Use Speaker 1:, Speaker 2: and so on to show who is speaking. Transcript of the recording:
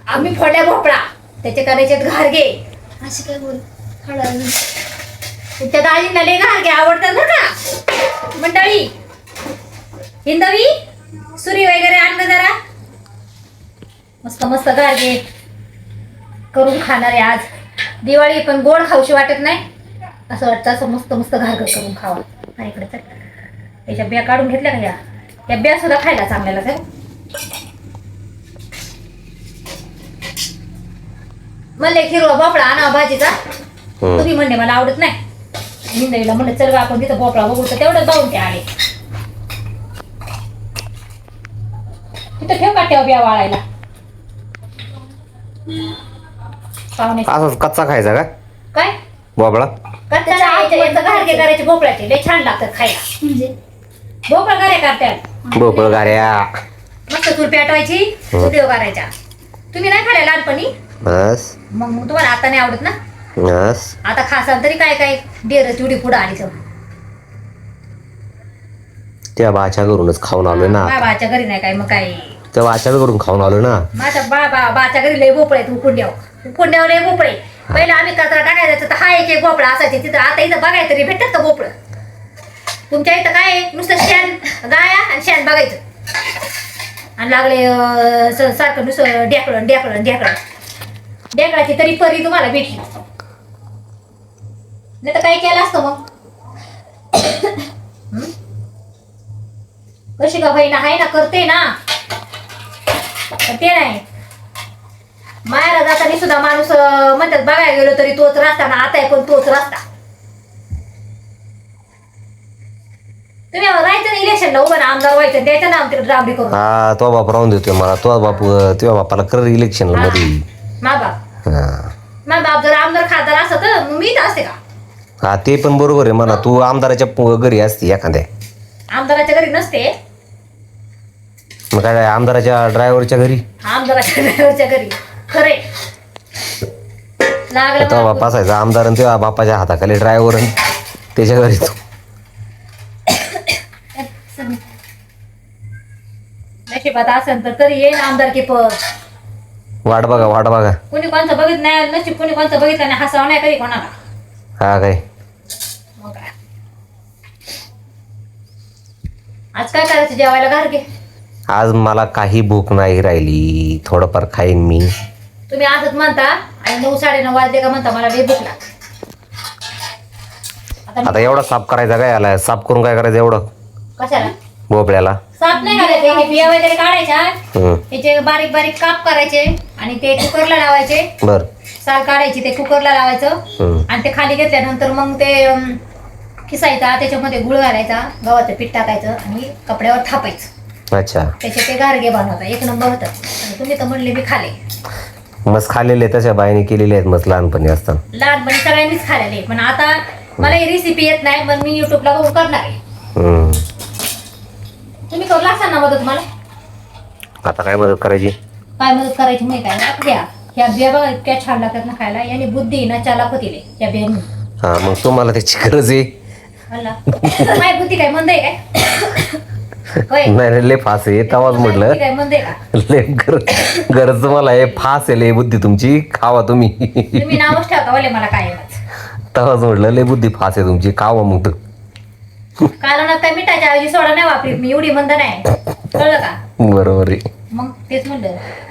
Speaker 1: आम्ही फोडल्या भोपळा, त्याचे करायचे घारगे.
Speaker 2: अशी काय बोल हळू.
Speaker 1: तुमच्या दाजींना लय घारगे आवडतात बरं का मंडळी. हिंदवी सुरी वगैरे आणलं जरा, मस्त मस्त घारगे करून खाणार आहे आज. दिवाळी पण गोड खाऊशी वाटत नाही, असं वाटतं असं मस्त मस्त घारगं करून खावा. हा इकडे चल, त्याच्या बिया काढून घेतल्या का या बिया सुद्धा खायला चांगल्याला सर. म्हणले हिरवा भोपळा आणा भाजीचा, तुम्ही म्हणले मला आवडत नाही. हिंदवीला म्हणलं चल बा आपण तिथं भोपळा बघू, तर तेवढं जाऊन ते आले. तिथं ठेव काट्यावर बिया वाळायला.
Speaker 3: असंच कच्चा खायचा का
Speaker 1: काय
Speaker 3: भोपळा?
Speaker 1: कच्चा घारगे करायचे भोपळ्याचे, लय छान लागतात खायला.
Speaker 2: म्हणजे
Speaker 1: भोपळा घारे करतात
Speaker 3: भोपळ गाऱ्या
Speaker 1: मस्त चूल पेटवायची, देव करायच्या. तुम्ही नाही खाल्ल्या लहानपणी?
Speaker 3: बस
Speaker 1: मग तुम्हाला आता नाही आवडत ना?
Speaker 3: बस
Speaker 1: आता खासाल तरी काय काय डेरच एवढी पुढं आली तर.
Speaker 3: त्या बाच्या घरूनच खाऊन आलोय ना.
Speaker 1: बाबाच्या घरी नाही काय मग काय,
Speaker 3: त्या बाच्या घरून खाऊन आलोय ना.
Speaker 1: माझ्या बाच्या घरी लय भोपळे आहेत. उकुंड्यावर लय भोपळे. पहिला आम्ही कचरा टाकायचा तर हा एक भोपळा असायचे तिथं. आता इथं बघायचं तरी भेटतात का भोपळं? तुमच्या इथं काय आहे? नुसतं शेण गाया आणि शेण बघायचं, आणि लागले सारखं नुसतं ढेकळण ढेकळाची तरी परी तुम्हाला भेटली नाही तर काय केलं असतं मग? कशी का बहिणा आहे ना, करते ना, ते नाही. मायाला जाताना सुद्धा माणूस म्हणतात बघायला गेलो तरी तोच रस्ता ना, आता आहे पण तोच रस्ता. तुम्ही राहायचं ना इलेक्शनला उभं ना, आमदार व्हायचं, द्यायचं ना आमच्याकडे राबडी करून.
Speaker 3: हा तो बाप राहून देतोय मला. तो बाप तुझ्या बापाला कर इलेक्शनला मध्ये.
Speaker 1: मा बाप जर आमदार खासदार असत तर मग मी तर असते का?
Speaker 3: हा ते पण बरोबर आहे म्हणा. तू आमदाराच्या घरी असते एखाद्या.
Speaker 1: आमदाराच्या घरी नसते.
Speaker 3: मग काय आमदाराच्या ड्रायव्हरच्या घरी,
Speaker 1: आमदाराच्या ड्रायव्हरच्या घरी. खरे लागलं
Speaker 3: तो बाप असायचा आमदार आणि तेव्हा बापाच्या हाताखाली ड्रायव्हर आणि त्याच्या घरी तू.
Speaker 1: नशिबात असेल तर तरी येईन आमदार की पद.
Speaker 3: वाट बघा.
Speaker 1: कोणी कोणचं बघित नाही नशीब, कोणी कोणचं बघितलं नाही, हसावं नाही कधी कोणाला.
Speaker 3: हा काय
Speaker 1: मग काय आज काय करायचं जेवायला घारगे?
Speaker 3: आज मला काही भूक नाही राहिली. थोडंफार खाईन मी.
Speaker 1: तुम्ही आजच म्हणता आणि 9 साडेनऊ वाजले का म्हणता मला लय भूक लागते.
Speaker 3: आता एवढा साफ करायचा काय आलाय? साफ करून काय करायचं एवढं
Speaker 1: कशाला
Speaker 3: भोपळ्याला?
Speaker 1: साफ नाही करायचे, हे बिया वगैरे काढायच्या, त्याचे बारीक बारीक काप करायचे आणि ते कुकरला लावायचे.
Speaker 3: बर
Speaker 1: साल काढायची, ते कुकरला लावायचं आणि ते खाली घेतल्यानंतर मग ते खिसायचा, त्याच्यामध्ये गुळ घालायचा, गव्हाचं पीठ टाकायचं आणि कपड्यावर थापायचं.
Speaker 3: अच्छा.
Speaker 1: त्याचे ते घारगे बनवतात, एक नंबर होतात. आणि तुम्ही तर म्हणले मी खाले.
Speaker 3: मस्त खाल्लेले तशा बाईने केलेले आहेत मस्त लहानपणी असताना.
Speaker 1: लहानपणी सगळ्यांनीच खाल्लेले, पण आता मला ही रेसिपी येत नाही, पण मी युट्यूबला बघून करणार आहे. तुम्ही करू लागता ना मदत मला?
Speaker 3: आता काय मदत करायची?
Speaker 1: काय मदत करायची माहिती काय? द्या ह्या बिया बघा इतक्या छान लागतात ना खायला. याने बुद्धी ना चालाक होतील त्या बियांनी.
Speaker 3: हा मग तुम्हाला त्याची गरज आहे.
Speaker 1: काय बुद्धी काय मंद आहे काय?
Speaker 3: नाही लय फास आहे तवाच म्हटलं.
Speaker 1: काय मंद आहे का?
Speaker 3: लय गरज तुम्हाला आहे. फास आहे लय बुद्धी तुमची. खावा तुम्ही.
Speaker 1: तुम्ही नावच ठेवता वाले मला काय
Speaker 3: तवाच म्हटलं लय बुद्धी फास आहे तुमची. खावा मग.
Speaker 1: कारण काय मिठाच्या ऐवजी सोडा नाही वापरीत मी, एवढी मंद नाही, कळलं का?
Speaker 3: बरोबर आहे.
Speaker 1: मग तेच म्हणलं.